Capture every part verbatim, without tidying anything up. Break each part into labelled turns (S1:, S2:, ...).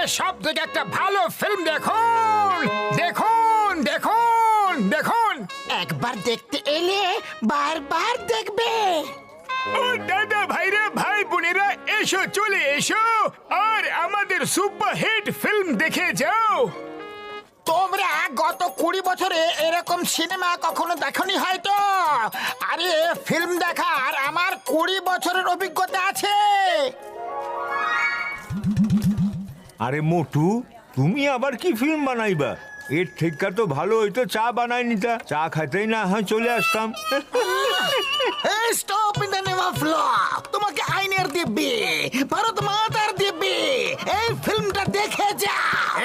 S1: সব থেকে একটা ভালো ফিল্ম দেখুন দেখুন দেখুন দেখুন।
S2: একবার দেখতে এলে বারবার দেখবে।
S1: ও দাদা ভাইরা ভাই বোনেরা এসো চলে এসো আর আমাদের সুপার হিট ফিল্ম দেখে যাও।
S2: তোমরা গত কুড়ি বছরে এরকম সিনেমা কখনো দেখনি হয়তো। আরে ফিল্ম দেখার আমার কুড়ি বছরের অভিজ্ঞতা আছে।
S3: আরে মোটু, তুমি আবার কি ফিল্ম বানাইবা? এর থেকে তো ভালো হইতো চা বানাই নিতা, চা খাইতেই না হয় চলে আসতাম।
S2: Stop in the name of law. তোমাকে আইনের দিব্যি, ভারত মাতার দিব্যি, এই ফিল্মটা দেখে যা।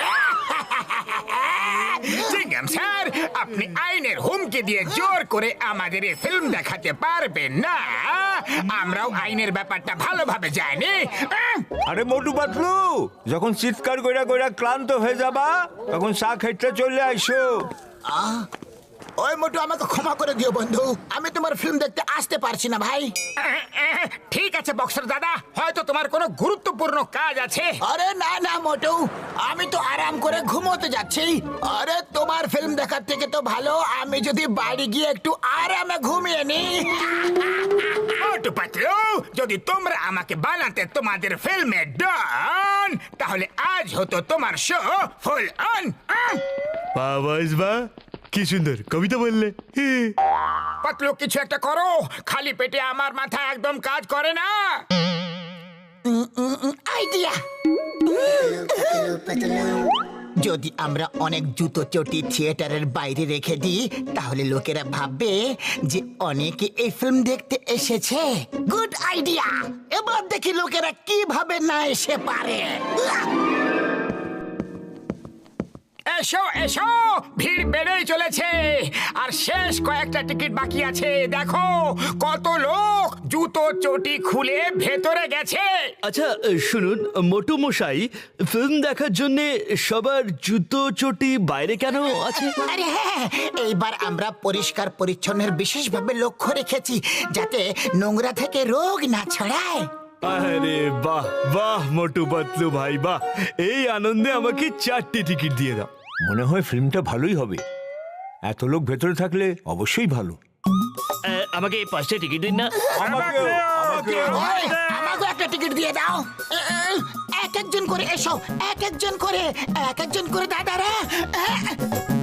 S1: জিঙ্গাম স্যার, আপনি আইনের হুমকি দিয়ে জোর করে আমাদের এই ফিল্ম দেখাতে পারবেন না। আমরাও আইনের ব্যাপারটা ভালোভাবে জানি।
S3: আরে মোটু পাতলু, যখন চিৎকার কইরা কইরা ক্লান্ত হয়ে যাবা তখন চা খাইতে চলে আইসো।
S2: ওই মোটু, আমাকে ক্ষমা করে দিও বন্ধু, আমি তোমার ফিল্ম দেখতে আসতে পারছি না ভাই।
S1: ঠিক আছে বক্সার দাদা, হয়তো তোমার কোনো গুরুত্বপূর্ণ কাজ আছে।
S2: আরে না না মোটু, আমি তো আরাম করে ঘুমোতে যাচ্ছি। আরে তোমার ফিল্ম দেখার থেকে তো ভালো আমি যদি বাড়ি গিয়ে একটু আরামে ঘুমিয়ে নি।
S1: মোটু পাতলু, যদি তোমরা আমাকে বানাতে তোমাদের ফিল্মে ডন, তাহলে আজ হতো তোমার শো ফুল অন।
S4: বাবাস বা কি সুন্দর কবিতা বললে।
S1: পাতলু কিছু একটা করো, খালি পেটে আমার মাথা একদম কাজ করে না।
S2: আইডিয়া। যদি আমরা অনেক জুতো চটি থিয়েটারের বাইরে রেখে দিই তাহলে লোকেরা ভাববে যে অনেকে এই ফিল্ম দেখতে এসেছে। Good idea. এবার দেখি লোকেরা কিভাবে না এসে পারে।
S1: এসো এসো, ভিড় বেড়েই চলেছে আর শেষ কয়েকটা টিকিট বাকি আছে। দেখো কত লোক জুতো চটি খুলে ভেতরে গেছে।
S4: আচ্ছা শুনুন মোটু মশাই, ফিল্ম দেখার জন্য সবার জুতো চটি বাইরে কেন আছে?
S2: আরে হ্যাঁ, এইবার আমরা পরিষ্কার পরিচ্ছন্নের বিশেষভাবে লক্ষ্য রেখেছি যাতে নোংরা থেকে রোগ না ছড়ায়।
S4: আরে বাহ বাহ মোটু পাতলু ভাই বাহ, এই আনন্দে আমাকে চারটি টিকিট দিয়ে দাও।
S3: মনে হয় ফিল্মটা ভালোই হবে, এত লোক ভেতরে থাকলে অবশ্যই ভালো।
S4: আহ, আমাকে পাঁচটা টিকিট দিন না।
S3: আমাকেও, আমাকেও।
S2: ওই, আমাকে একটা টিকিট দিয়ে দাও। এ, এ, এক একজন করে এসো, এক একজন করে, এক একজন করে দাদারা। এ,